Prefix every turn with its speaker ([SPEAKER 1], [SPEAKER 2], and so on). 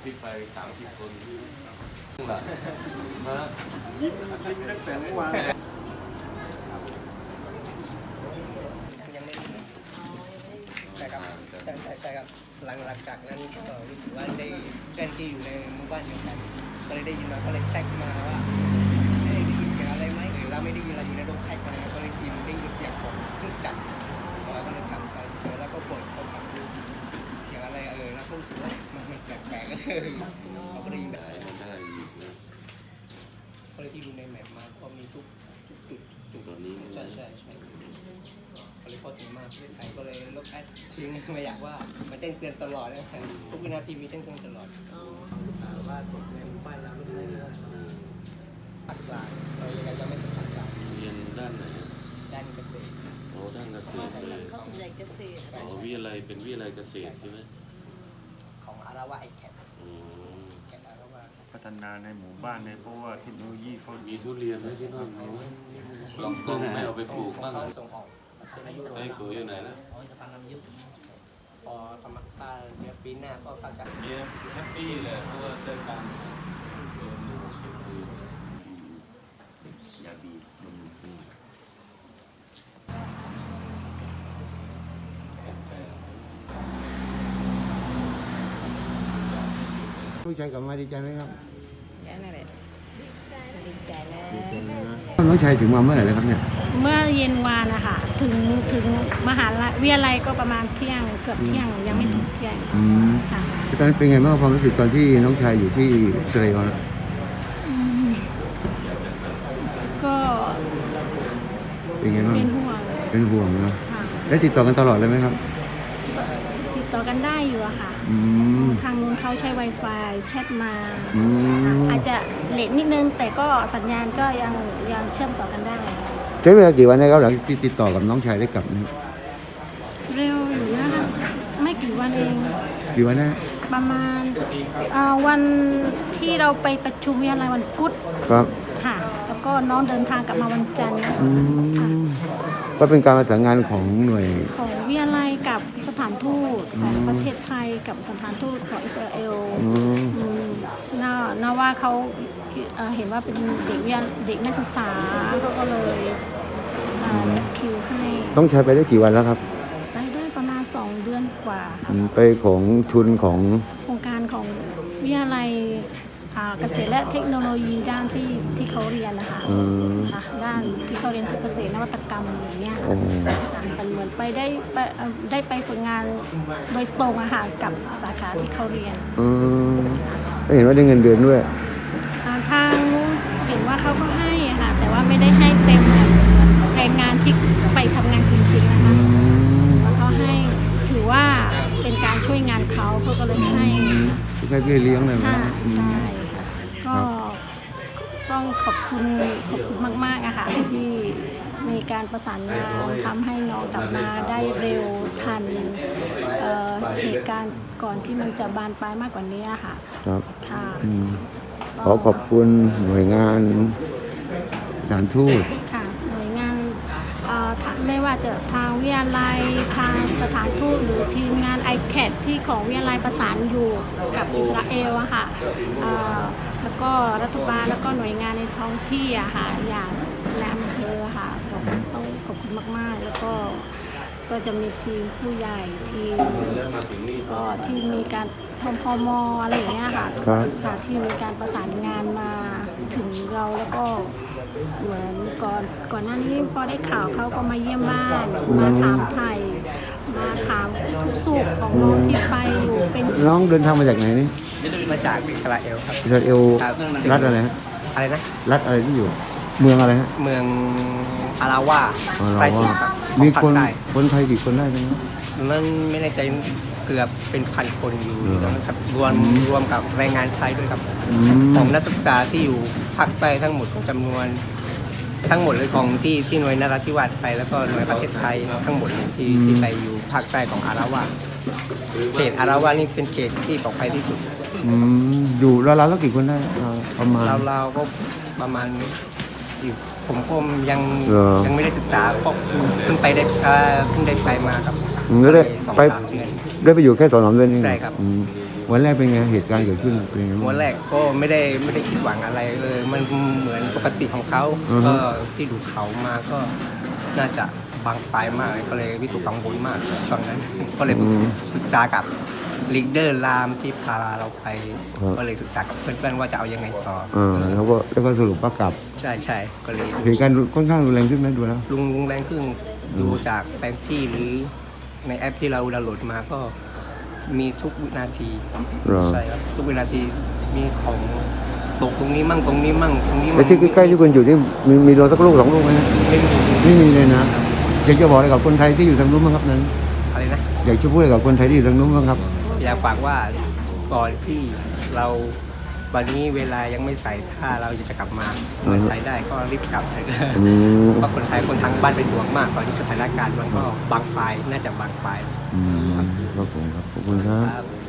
[SPEAKER 1] ที่ไป30 คนหลังมายิ้มตั้งแต่เมื่อวาน
[SPEAKER 2] ยังไม่ใช่ครับใช่ครับหลังจากนั้นก็รู้สึกว่าได้เพื่อนที่อยู่ในหมู่บ้านเดียวกันก็เลยได้ยินมาก็เลยเช็คมาว่าได้ยินเสียงอะไรไหมหรือเราไม่ได้ยินเราอยู่ในโรงแพ็คมาก็เลยได้ยินเสียงของเครื่องจักรก็เลยทำไปแล้วก็เปิดโทรศัพท์ดูเสียงอะไรแล้วก็รู้สึกว่ามันแปลกๆเราก็ได้ยินแบบก็เลยที่ดูในแมปมาก็มีทุกจุด
[SPEAKER 1] ตอนนี้
[SPEAKER 2] ใช่ก็เลยพอถึงมาประเทศไทยก็เลยลบแอดทิ้งไม่อยากว่ามันแจ้งเตือนตลอดนะทุกวินาทีมีแจ้งเตือนตลอดว่าสุดในหมู่บ้านเราไม่ได้ตัดกลางเรายังไงจะไม่ตัดกลาง
[SPEAKER 1] เรียนด้านไหน
[SPEAKER 2] ด้านเกษตร
[SPEAKER 1] โอ้ด้านเกษตรเลย
[SPEAKER 3] เขาวิทยาลัยเกษตร
[SPEAKER 1] วิทยาลัยเป็นวิทยาลัยเกษตรใช่ไหม
[SPEAKER 2] ของอาราวาไอแคทแคทอาราวา
[SPEAKER 4] พัฒนาในหมู่บ้านในเพราะว่าเทคโนโลยีเขา
[SPEAKER 1] มีทุเรียนไหมที่นั่นลองต้นไม่เอาไปปลูกบ้าง
[SPEAKER 2] ส่งออก
[SPEAKER 1] ไอ้กูอยู่ไหนนะ
[SPEAKER 2] จะฟังน้ำยึดพอทำมาเดี๋ยวปีหน้าก็เขาจะ
[SPEAKER 1] มีแฮปปี้เลยเพราะว่าได้ตังค์ยาบีมัน
[SPEAKER 5] ลูกชายกลับมาดีใจไหมครับ
[SPEAKER 3] นั่นแหละดีใจนะ
[SPEAKER 5] น้องชายถึงมาเมื่อไหร่เลยครับเนี่ย
[SPEAKER 3] เมื่อเย็นวานนะคะถึงมหาวิทยาลัยก็ประมาณเที่ยงเกือบเที่ยงยังไม่ถึงเที่ยง
[SPEAKER 5] ค่ะตอนนั้นเป็นไงบ้างความรู้สึกตอนที่น้องชายอยู่ที่อิสราเอล
[SPEAKER 3] ก็
[SPEAKER 5] เป็นไงบ้างเป็นห่วงนะแล้วติดต่อกันตลอดเลยไหมครับ
[SPEAKER 3] ติดต่อกันได้อยู่อะค่ะทางนู้นเขาใช้ Wi-Fi แชทมาอาจจะเลทนิดนึงแต่ก็สัญญาณก็ยังเชื่อมต่อกันได้
[SPEAKER 5] ใช้เวลากี่วันนะครับหลังที่ติดต่อกับน้องชายได้กลับนี่
[SPEAKER 3] เร็วอยู่นะคะไม่กี่วันเอง
[SPEAKER 5] กี่วันนะ
[SPEAKER 3] ประมาณวันที่เราไปประชุมวิทยาลัยวันพุธ
[SPEAKER 5] ครับ
[SPEAKER 3] ค่ะแล้วก็น้องเดินทางกลับมาวันจันทร์
[SPEAKER 5] ก็เป็นการประสานงานของหน่วย
[SPEAKER 3] ของวิทยาลัยกับสถานทูตของประเทศไทยกับสถานทูตของอิสราเอลน่าว่าเขาเห็นว่าเป็นเด็กนักศึกษาเขาก็เลยจัดคิวให้
[SPEAKER 5] ต้องใช้ไปได้กี่วันแล้วครับ
[SPEAKER 3] ไปได้ประมาณ2 เดือนกว่าค่ะ
[SPEAKER 5] ไปของทุนของ
[SPEAKER 3] โครงการของวิทยาลัยเกษตรและเทคโนโลยีด้านที่เขาเรียนนะคะด้านที่เขาเรียนคือเกษตรนวัตกรรมอย่างเงี้ยมันเหมือนไปได้ไปฝึกงานโดยตรงอะค่ะกับสาขาที่เขาเรียน
[SPEAKER 5] เห็นว่าได้เงินเดือนด้วย
[SPEAKER 3] ทางนู้นเห็นว่าเขาก็ให้ค่ะแต่ว่าไม่ได้ให้เต็มเหมือนแรงงานที่ไปทำงานจริงๆนะคะแล้วเขาให้ถือว่าเป็นการช่วยงานเขาก็เลยให้
[SPEAKER 5] พี่เลี้ยงเลย
[SPEAKER 3] นะใช่ค่ะก็ต้องขอบคุณมากๆอะค่ะที่มีการประสานงานทำให้น้องกลับมาได้เร็วทันเหตุการณ์ก่อนที่มันจะบานปลายมากกว่านี้ค่ะ
[SPEAKER 5] ครับ
[SPEAKER 3] ค่ะ
[SPEAKER 5] ขอบคุณหน่วยงานสถานทูต
[SPEAKER 3] ค่ะหน่วยงานไม่ว่าจะทางวิทยาลัยทางสถานทูตหรือทีมงาน ICAT ที่ของวิทยาลัยประสานอยู่กับอิสราเอลอะค่ะแล้วก็รัฐบาลแล้วก็หน่วยงานในท้องที่อะค่ะอย่างในอำเภอค่ะต้องขอบคุณมากๆแล้วก็จะมีทีมผู้ใหญ่ทีมก็ที่มีการทมพมอะไรอย่างเงี้ยค่ะที่มีการประสานงานมาถึงเราแล้วก็เหมือนก่อนหน้านี้พอได้ข่าวเขาก็มาเยี่ยมบ้านมาถามไทยมาถามทุกสุขของน้องที่ไปอยู่เป็น
[SPEAKER 5] น้องเดินทางมาจากไหนนี่
[SPEAKER 2] มาจากอิสราเอลครับ
[SPEAKER 5] อิสราเอลรัฐอะไรฮะ
[SPEAKER 2] อะไรนะ
[SPEAKER 5] รัฐอะไรที่อยู่เมืองอะไรฮะ
[SPEAKER 2] เมืองอาราวา
[SPEAKER 5] ไปสุดครับมีคนไทยกี่คนได้ไหม
[SPEAKER 2] มันไม่แน่ใจเกือบเป็นพันคนอยู่นะครับรวมกับแรงงานไทยด้วยครับของนักศึกษาที่อยู่ภาคใต้ทั้งหมดของจำนวนทั้งหมดเลยของที่หน่วยนราธิวาสไปแล้วก็หน่วยประเทศไทยทั้งหมดที่ไปอยู่ภาคใต้ของอาราวาเขตอาราวานี่เป็นเขตที่ปลอดภัยที่สุด
[SPEAKER 5] อยู่เราแล้วกี่คนได้ประมาณ
[SPEAKER 2] เราก็ประมาณผมก็ยังไม่ได้ศึกษาเพราะเพิ่งได้ไปมาครับ
[SPEAKER 5] ได้ไปอยู่แค่2-3 เดือนเอง
[SPEAKER 2] ใช่ครับ
[SPEAKER 5] วันแรกเป็นไงเหตุการณ์เกิดขึ้นเป็นไงบ้าง
[SPEAKER 2] วันแรกก็ไม่ได้คิดหวังอะไรเลยมันเหมือนปกติของเขา
[SPEAKER 5] อือฮึ
[SPEAKER 2] ก็ที่ดูเขามาก็น่าจะบางปลายมากเลยก็เลยวิตกกังวลมากช่วงนั้น ก็เลยศึกษากับลีดเดอร์รามที่พาเราไปก็เลยศึกษากับเพื่อนๆว่าจะเอายังไงต่อ
[SPEAKER 5] แล้วก็สรุปว่ากลับ
[SPEAKER 2] ใช่ก็เลย
[SPEAKER 5] เหตุการณ์ค่อนข้างรุนแรงขึ้นไหมดูแล้ว
[SPEAKER 2] ลุงแรงขึ้นดูจากแผนที่หรือในแอปที่เราดาวน์โหลดมาก็มีทุกวินาที
[SPEAKER 5] เหรอ
[SPEAKER 2] ใช่ครับทุกวินาทีมีของตกตรงนี้มั่งตรงนี้มั่งตรงนี้มั่
[SPEAKER 5] ไอ้
[SPEAKER 2] ง
[SPEAKER 5] ที่ใกล้ๆที่คุณอยู่นี่มีโดนสักลูก2 ลูกไหมนะ
[SPEAKER 2] ไม่มี
[SPEAKER 5] ไม่มีเลยนะอยากจะบอกอะไรกับคนไทยที่อยู่ทางนู้นบ้างครับนั้น
[SPEAKER 2] อะไรนะ
[SPEAKER 5] อยากจะพูดอะไรกับคนไทยที่อยู่ทางนู้นบ้างครับ
[SPEAKER 2] อยากฝากว่าก่อนที่เราตอนนี้เวลายังไม่ใส่ถ้าเราจะกลับมาเงินใส่ได้ก็รีบกลับเถอะ
[SPEAKER 5] อืม
[SPEAKER 2] เพราะคนไทยคนทางบ้านเป็นห่วงมากตอนนี้สถานการณ์มันก็บางปลายน่าจะบางปลาย
[SPEAKER 5] ครับผมครับขอบคุณครับ
[SPEAKER 2] ครับ